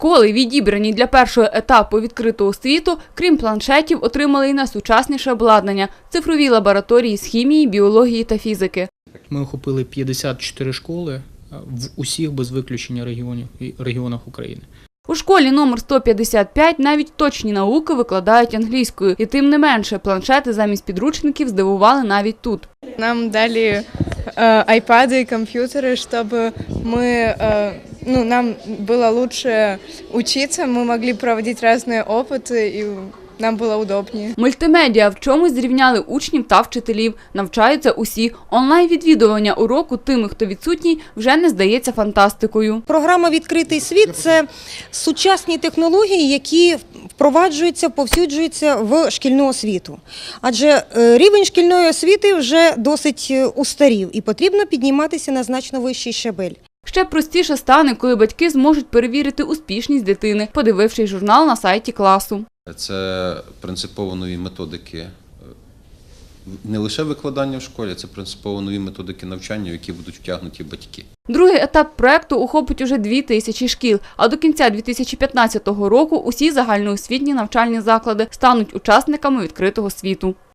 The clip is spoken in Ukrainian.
Школи, відібрані для першого етапу відкритого світу, крім планшетів, отримали і найсучасніше обладнання – цифрові лабораторії з хімії, біології та фізики. Ми охопили 54 школи в усіх без виключення регіонах України. У школі номер 155 навіть точні науки викладають англійською. І тим не менше, планшети замість підручників здивували навіть тут. Нам дали iPad и компьютеры, чтобы нам было лучше учиться, мы могли проводить разные опыты, и нам було удобніше. Мультимедіа в чомусь зрівняли учнів та вчителів. Навчаються усі. Онлайн-відвідування уроку тими, хто відсутній, вже не здається фантастикою. Програма «Відкритий світ» – це сучасні технології, які впроваджуються, повсюджуються в шкільну освіту. Адже рівень шкільної освіти вже досить устарів і потрібно підніматися на значно вищий щабель. Ще простіше стане, коли батьки зможуть перевірити успішність дитини, подивившись журнал на сайті класу. Це принципово нові методики не лише викладання в школі, це принципово нові методики навчання, в які будуть втягнуті батьки. Другий етап проєкту охопить уже 2000 шкіл, а до кінця 2015 року усі загальноосвітні навчальні заклади стануть учасниками відкритого світу.